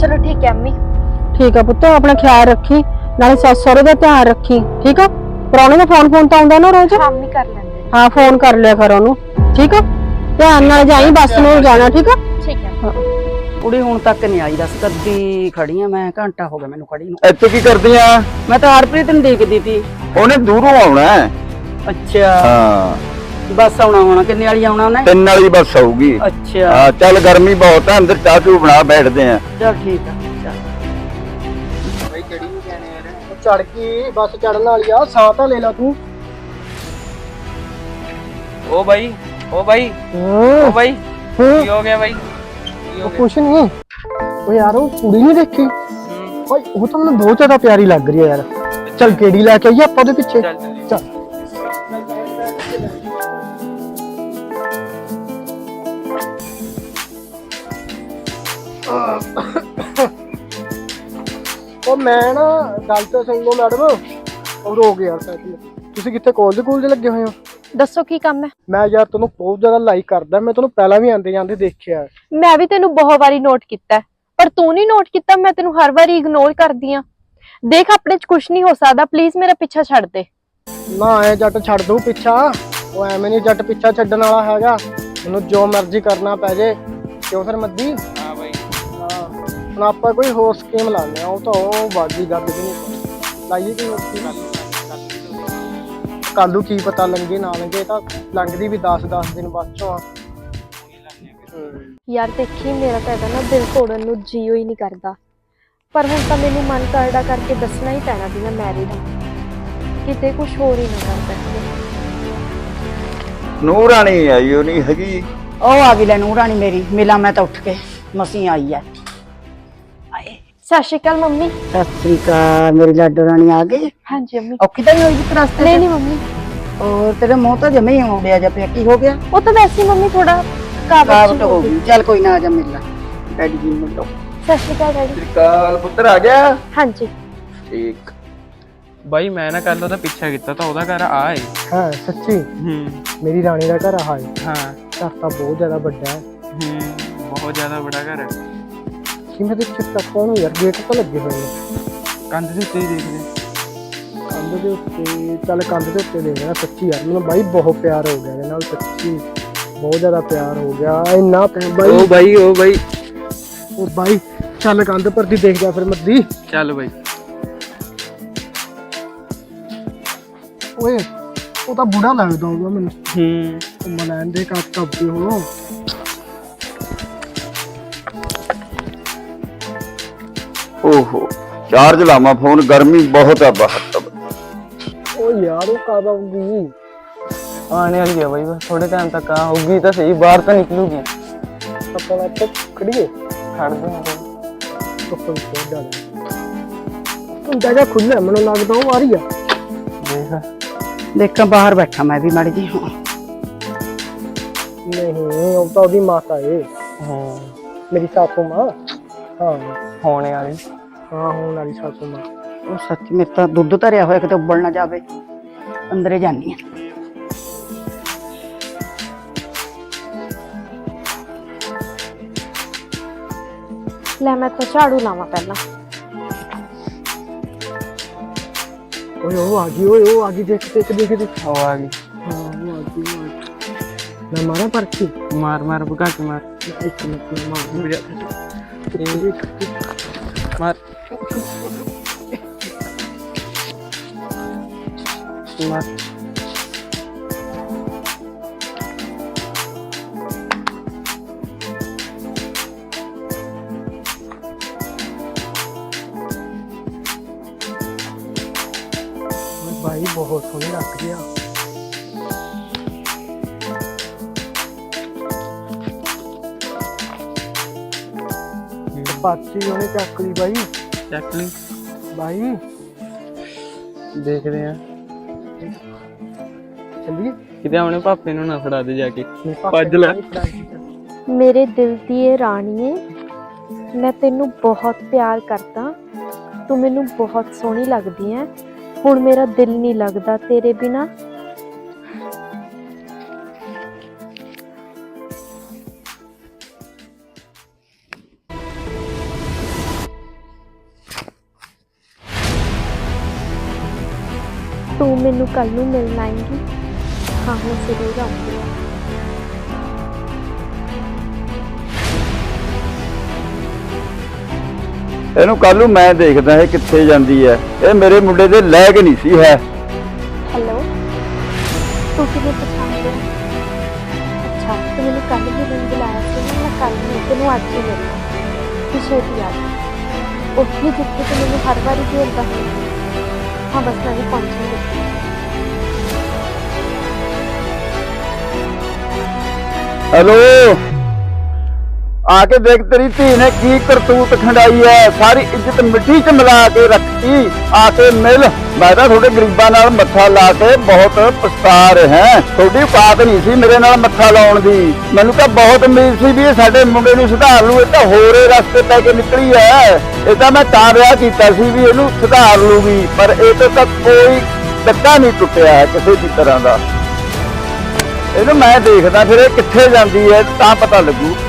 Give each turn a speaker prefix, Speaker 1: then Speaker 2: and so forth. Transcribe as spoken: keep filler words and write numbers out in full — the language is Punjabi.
Speaker 1: चलो ठीक है अम्मी।
Speaker 2: ठीक है पुत्त, अपना ख्याल रखी, नाले सस सहुरे दा ध्यान रखी। ठीक है, प्राहुणे दा फोन फोन तो आउंदा ना रोज?
Speaker 1: हाँ अम्मी कर लेंगे।
Speaker 2: हाँ फोन कर लिया कर ओनू। ठीक है, ध्यान नाल जाई, बस नूं जाना। ठीक है
Speaker 1: ठीक है।
Speaker 2: हाँ।
Speaker 3: ਕੁੜੀ ਹੁਣ ਤੱਕ ਨਹੀਂ ਆਈ, ਦੱਸ ਕਦੀ ਖੜੀ ਆ ਮੈਂ, ਘੰਟਾ ਹੋ ਗਿਆ ਮੈਨੂੰ ਖੜੀ ਨੂੰ।
Speaker 4: ਇੱਥੇ ਕੀ ਕਰਦੀ ਆ?
Speaker 3: ਮੈਂ ਤਾਂ ਹਰਪ੍ਰੀਤ ਨੂੰ ਦੇਖਦੀ ਸੀ।
Speaker 4: ਉਹਨੇ ਦੂਰੋਂ ਆਉਣਾ ਹੈ।
Speaker 3: ਅੱਛਾ
Speaker 4: ਹਾਂ
Speaker 3: ਬੱਸ ਆਉਣਾ ਹੋਣਾ, ਕਿੰਨੇ ਵਾਲੀ ਆਉਣਾ ਉਹਨੇ?
Speaker 4: ਤਿੰਨ ਵਾਲੀ ਬੱਸ ਆਊਗੀ।
Speaker 3: ਅੱਛਾ
Speaker 4: ਹਾਂ ਚੱਲ, ਗਰਮੀ ਬਹੁਤ ਹੈ, ਅੰਦਰ ਚਾਹ ਚੂ ਬਣਾ ਬੈਠਦੇ ਆ।
Speaker 3: ਚਲ ਠੀਕ ਆ ਚੱਲ।
Speaker 5: ਬਈ ਕਿਹੜੀ ਨੂੰ ਕਹਿਣੇ ਯਾਰ? ਚੜ ਕੇ ਬੱਸ ਚੜਨ ਵਾਲੀ ਆ, ਸਾਹ ਤਾਂ ਲੈ ਲਾ ਤੂੰ।
Speaker 6: ओ भाई ओ भाई ओ भाई की हो गया भाई? की हो गया?
Speaker 5: ਕੁਛ ਨਹੀਂ। ਉਹ ਯਾਰ ਉਹ ਕੁੜੀ ਨਹੀਂ ਦੇਖੀ ਓਏ, ਉਹ ਤਾਂ ਮੈਨੂੰ ਬਹੁਤ ਜ਼ਿਆਦਾ ਪਿਆਰੀ ਲੱਗ ਰਹੀ ਹੈ ਯਾਰ। ਚੱਲ ਕਿਹੜੀ ਲੈ ਕੇ ਆਈਏ ਆਪਾਂ ਉਹਦੇ ਪਿੱਛੇ।
Speaker 6: चल चल
Speaker 5: ਚੱਲ ਉਹ ਮੈਂ ਨਾ ਗੱਲ ਤਾਂ ਸੁਣ ਲਓ ਮੈਡਮ। ਉਹ ਰੋ ਗਿਆ ਯਾਰ ਸਾਈਕਲ। ਤੁਸੀਂ ਕਿੱਥੇ ਕਾਲਜ ਕਾਲਜ ਲੱਗੇ ਹੋਏ ਹੋ?
Speaker 1: दसो की काम है?
Speaker 5: ਮੈਂ ਯਾਰ ਤੈਨੂੰ ਬਹੁਤ ਜ਼ਿਆਦਾ ਲਾਈਕ ਕਰਦਾ, ਮੈਂ ਤੈਨੂੰ ਪਹਿਲਾਂ ਵੀ ਆਂਦੇ ਜਾਂਦੇ ਦੇਖਿਆ।
Speaker 1: मैं भी तेनू बहुत बारी नोट किया पर तू नहीं नोट किया। मैं तेनू हर बारी इग्नोर कर दिया। देख अपने च कुछ नहीं हो सकता, प्लीज मेरा पीछा छड़ दे।
Speaker 5: ਨਾ ਐ ਜੱਟ ਛੱਡ ਦੂ ਪਿੱਛਾ। ਉਹ ਐਵੇਂ ਨਹੀਂ ਜੱਟ ਪਿੱਛਾ ਛੱਡਣ ਵਾਲਾ ਹੈਗਾ। ਮੈਨੂੰ ਜੋ ਮਰਜ਼ੀ ਕਰਨਾ ਪੈ ਜੇ। ਕਿਉਂ ਫਿਰ ਮੱਦੀ?
Speaker 6: हाँ भाई
Speaker 5: ਹਾਂ ਹੁਣ ਆਪਾਂ ਕੋਈ ਹੋਰ ਸਕੀਮ ਲਾਉਂਦੇ ਆ। ਉਹ ਤਾਂ ਉਹ ਬਾਗੀ ਗੱਲ ਵੀ ਨਹੀਂ ਲਾਈਏ ਕਿ ਹੋਰ ਸਕੀਮ। ਕੱਲੂ ਕੀ ਪਤਾ ਲੰਗੇ ਨਾ ਲੰਗੇ, ਤਾਂ ਲੰਘਦੀ ਵੀ ਦਸ ਦਸ ਦਿਨ ਬਾਅਦ ਚੋਂ ਆ।
Speaker 1: यार देखी मेरा तो ना दिल तोड़न नू जीओ ही नहीं करता, पर हुण तां मैनू मन करड़ा करके दसना ही पैना भी मैं मैरिड हाँ, किते कुछ होर ही ना कर बैठे।
Speaker 4: ਨੂੰਹ ਰਾਣੀ ਆਈ ਉਹ ਨਹੀਂ ਹੈਗੀ।
Speaker 3: ਉਹ ਆ ਗਈ ਲੈ ਨੂੰਹ ਰਾਣੀ ਮੇਰੀ, ਮਿਲਾਂ ਮੈਂ ਤਾਂ ਉੱਠ ਕੇ ਮਸੀਂ ਆਈ ਐ। ਆਏ
Speaker 1: सत श्री अकाल मम्मी।
Speaker 3: ਸਤਿ ਸ੍ਰੀ ਅਕਾਲ, ਮੇਰੀ ਲਾਡੋ ਰਾਣੀ ਆ ਗਈ।
Speaker 1: हाँ जी अम्मी।
Speaker 3: ਔਖੀ ਤਾਂ ਨਹੀਂ ਹੋਈ ਜਿਸ ਰਸਤੇ
Speaker 1: नहीं नहीं मम्मी,
Speaker 3: ਔਰ ਤੇਰੇ ਮੂੰਹ ਤਾਂ ਜਮੇ ਹੀ ਆਉਂਦਿਆ ਜਾਂ ਪਿਆ, ਕੀ ਹੋ ਗਿਆ?
Speaker 1: वो तो वैसे ही मम्मी थोड़ा
Speaker 3: ਕਾਵਟ
Speaker 1: कावट
Speaker 3: ਹੋ ਗਈ। ਚੱਲ ਕੋਈ ਨਾ, ਆ ਜਾ ਮਿਲ ਲੈ ਡੈਡੀ ਜੀ ਨੂੰ। ਮਿਲੋ।
Speaker 1: सत श्री अकाल डैडी।
Speaker 4: ਕਾਲ ਪੁੱਤਰ ਆ ਗਿਆ।
Speaker 1: हाँ जी।
Speaker 4: ਠੀਕ।
Speaker 6: भाई मैं ना कल ਉਹਦਾ ਪਿੱਛਾ ਕੀਤਾ ਤਾਂ ਉਹਦਾ ਘਰ ਆ ਏ।
Speaker 5: ਹਾਂ ਸੱਚੀ
Speaker 6: ਹੂੰ
Speaker 5: ਮੇਰੀ ਰਾਣੀ ਦਾ ਘਰ ਆ ਹੈ।
Speaker 6: ਹਾਂ
Speaker 5: ਘਰ ਤਾਂ ਬਹੁਤ ਜ਼ਿਆਦਾ ਵੱਡਾ ਹੈ।
Speaker 6: ਹੂੰ ਬਹੁਤ ਜ਼ਿਆਦਾ ਬੜਾ ਘਰ ਹੈ।
Speaker 5: ਕਿਵੇਂ ਦੇ ਚਿੱਟਾ ਕੋਣ ਯਾਰ, ਗੇਟ ਤਾਂ ਲੱਗੇ ਹੋਏ ਨੇ
Speaker 6: ਕੰਧ ਦੇ ਉੱਤੇ ਹੀ ਦੇਖਦੇ।
Speaker 5: ਕੰਧ ਦੇ ਉੱਤੇ। ਚੱਲ ਕੰਧ ਦੇ ਉੱਤੇ ਦੇਖ ਰਿਹਾ। ਸੱਚੀ ਯਾਰ ਮੈਨੂੰ ਬਾਈ ਬਹੁਤ ਪਿਆਰ ਹੋ ਗਿਆ ਇਹਦੇ ਨਾਲ, ਸੱਚੀ ਬਹੁਤ ਜ਼ਿਆਦਾ ਪਿਆਰ ਹੋ ਗਿਆ। ਇੰਨਾ ਪਿਆਰ ਬਾਈ।
Speaker 6: ओ भाई ओ भाई
Speaker 5: ਉਹ ਬਾਈ ਚੱਲ ਕੰਧ ਪਰ ਦੀ ਦੇਖ ਜਾ ਫਿਰ ਮੱਦੀ।
Speaker 6: चल भाई।
Speaker 5: ਓਏ ਉਹ ਤਾਂ ਬੁੜਾ ਲੱਗਦਾ ਹੋਊਗਾ ਮੈਨੂੰ।
Speaker 6: ਹੂੰ
Speaker 5: ਮਲਾਨ ਦੇ ਕੱਪ ਕੱਪ ਕੇ ਹੋ।
Speaker 4: ਓਹੋ ਚਾਰਜ ਲਾਵਾਂ ਫੋਨ, ਗਰਮੀ ਬਹੁਤ ਆ ਬਾਹਰ।
Speaker 5: ਓ ਯਾਰ ਉਹ ਕਦ ਆਊਗੀ?
Speaker 6: आने वाली है भाई, बस थोड़े टाइम तक आ होगी तो सही, बाहर तो निकलूगी।
Speaker 5: ਆਪਾਂ ਇੱਥੇ ਖੜੀਏ।
Speaker 6: खड़ दो
Speaker 5: ਧੁੱਪ ਵਿੱਚ ਬਹੁਤ ਜ਼ਿਆਦਾ। ਹੁਣ ਜਗ੍ਹਾ ਖੁੱਲ੍ਹਾ ਮੈਨੂੰ ਲੱਗਦਾ ਉਹ ਆ ਰਹੀ ਆ।
Speaker 6: देख
Speaker 3: ਦੇਖਾਂ ਬਾਹਰ ਬੈਠਾ ਮੈਂ ਵੀ ਮਾੜੀ ਜੀ। ਹੁਣ
Speaker 5: ਨਹੀਂ ਉਹ ਤਾਂ ਉਹਦੀ ਮਾਤਾ ਏ,
Speaker 6: हाँ
Speaker 5: ਮੇਰੀ ਸਾਸੂ ਮਾਂ। ਹਾਂ
Speaker 6: होने वाली।
Speaker 5: ਹਾਂ ਹੋਣ ਵਾਲੀ ਸਾਸੂ ਮਾਂ।
Speaker 3: ਉਹ ਸੱਚ ਮੇਰੇ ਤਾਂ ਦੁੱਧ ਧਰਿਆ ਹੋਇਆ, ਕਿਤੇ ਉੱਬਲ ਨਾ ਜਾਵੇ। ਅੰਦਰੇ ਜਾਨੀ ਆ।
Speaker 1: ले मैं तो झाड़ू लावा पहला।
Speaker 5: ਓਏ ਉਹ ਆ ਗਈ, ਓਏ ਉਹ ਆ ਗਈ, ਦੇਖ ਦੇਖ ਦੇਖ देख।
Speaker 6: वो आ गई।
Speaker 5: ਹਾਂ ਉਹ ਆ ਗਈ, ਉਹ ਆ ਗਈ। ਮੈਂ ਮਾਰਾਂ ਪਰਚੀ।
Speaker 6: मार मार भगा के मार
Speaker 5: ਇੱਕ ਮਿੰਟ ਮੈਂ ਮਾਰ।
Speaker 6: मार मार।
Speaker 5: भाई बहुत सोहनी लग रही है। पाची ਉਹਨੇ ਚੱਕ ਲਈ ਬਾਈ।
Speaker 6: ਚੱਕ ਲਈ
Speaker 5: ਬਾਈ
Speaker 6: ਦੇਖਦੇ ਆ
Speaker 5: ਚੱਲੀਏ।
Speaker 6: ਕਿਤੇ ਆਪਣੇ ਪਾਪੇ ਨੂੰ ਨਾ ਫੜਾ ਦੇ ਜਾ ਕੇ।
Speaker 5: ਮੇਰੇ ਪਾਪੇ
Speaker 6: ਭੱਜ ਲੈ।
Speaker 1: मेरे दिल दी ये राणीए, मैं तेनू बहुत प्यार करता, तू मैनू बहुत सोहनी लगदी है। हुण मेरा दिल नहीं लगदा तेरे बिना। ਤੂੰ ਮੈਨੂੰ ਕੱਲ ਨੂੰ ਮਿਲਣ ਆਏਂਗੀ? ਹਾਂ ਮੈਂ ਜ਼ਰੂਰ ਆਉਂਗੀ।
Speaker 4: ਇਹਨੂੰ ਕੱਲ ਨੂੰ ਮੈਂ ਦੇਖਦਾ ਇਹ ਕਿੱਥੇ ਜਾਂਦੀ ਹੈ। ਇਹ ਮੇਰੇ ਮੁੰਡੇ ਦੇ ਲਾਇਕ ਨਹੀਂ ਸੀ ਹੈ।
Speaker 1: ਹੈਲੋ, ਤੂੰ ਕਿਵੇਂ ਪਛਾਣ ਲਿਆ? ਅੱਛਾ, ਤੂੰ ਮੈਨੂੰ ਕੱਲ ਮਿਲਣ ਬੁਲਾਇਆ ਸੀ ਨਾ, ਮੈਂ ਕੱਲ ਨਹੀਂ ਤੈਨੂੰ ਅੱਜ ਹੀ ਮਿਲਣਾ। ਤੂੰ ਛੇਤੀ ਆ ਜਾ, ਉੱਥੇ ਜਿੱਥੇ ਤੂੰ ਮੈਨੂੰ ਹਰ ਵਾਰੀ ਭੇਜਦਾ ਹੈ। ਹਾਂ ਬਸ ਮੈਂ ਵੀ ਪਹੁੰਚਣ ਲੱਗੀ।
Speaker 4: ਹੈਲੋ, ਆ ਕੇ ਦੇਖ ਤੇਰੀ ਧੀ ਨੇ ਕੀ ਕਰਤੂਤ ਖੰਡਾਈ ਹੈ। ਸਾਰੀ ਇੱਜ਼ਤ ਮਿੱਟੀ 'ਚ ਮਿਲਾ ਕੇ ਰੱਖੀ। ਆ ਕੇ ਮਿਲ। ਮੈਂ ਤਾਂ ਤੁਹਾਡੇ ਗਰੀਬਾਂ ਨਾਲ ਮੱਥਾ ਲਾ ਕੇ ਬਹੁਤ ਪਛਤਾ ਰਿਹਾ। ਤੁਹਾਡੀ ਔਕਾਤ ਨਹੀਂ ਸੀ ਮੇਰੇ ਨਾਲ ਮੱਥਾ ਲਾਉਣ ਦੀ। ਮੈਨੂੰ ਤਾਂ ਬਹੁਤ ਉਮੀਦ ਸੀ ਵੀ ਇਹ ਸਾਡੇ ਮੁੰਡੇ ਨੂੰ ਸੁਧਾਰ ਲੂ। ਇਹ ਤਾਂ ਹੋਰੇ ਰਸਤੇ ਪੈ ਕੇ ਨਿਕਲੀ ਹੈ। ਇਹ ਤਾਂ ਮੈਂ ਤਾਂ ਵਿਆਹ ਕੀਤਾ ਸੀ ਵੀ ਇਹਨੂੰ ਸੁਧਾਰ ਲੂਗੀ, ਪਰ ਇਹ ਤੋਂ ਤਾਂ ਕੋਈ ਟੱਕਾ ਨਹੀਂ ਟੁੱਟਿਆ ਹੈ ਕਿਸੇ ਵੀ ਤਰ੍ਹਾਂ ਦਾ। ਇਹਨੂੰ ਮੈਂ ਦੇਖਦਾ ਫਿਰ ਇਹ ਕਿੱਥੇ ਜਾਂਦੀ ਹੈ ਤਾਂ ਪਤਾ ਲੱਗੂ।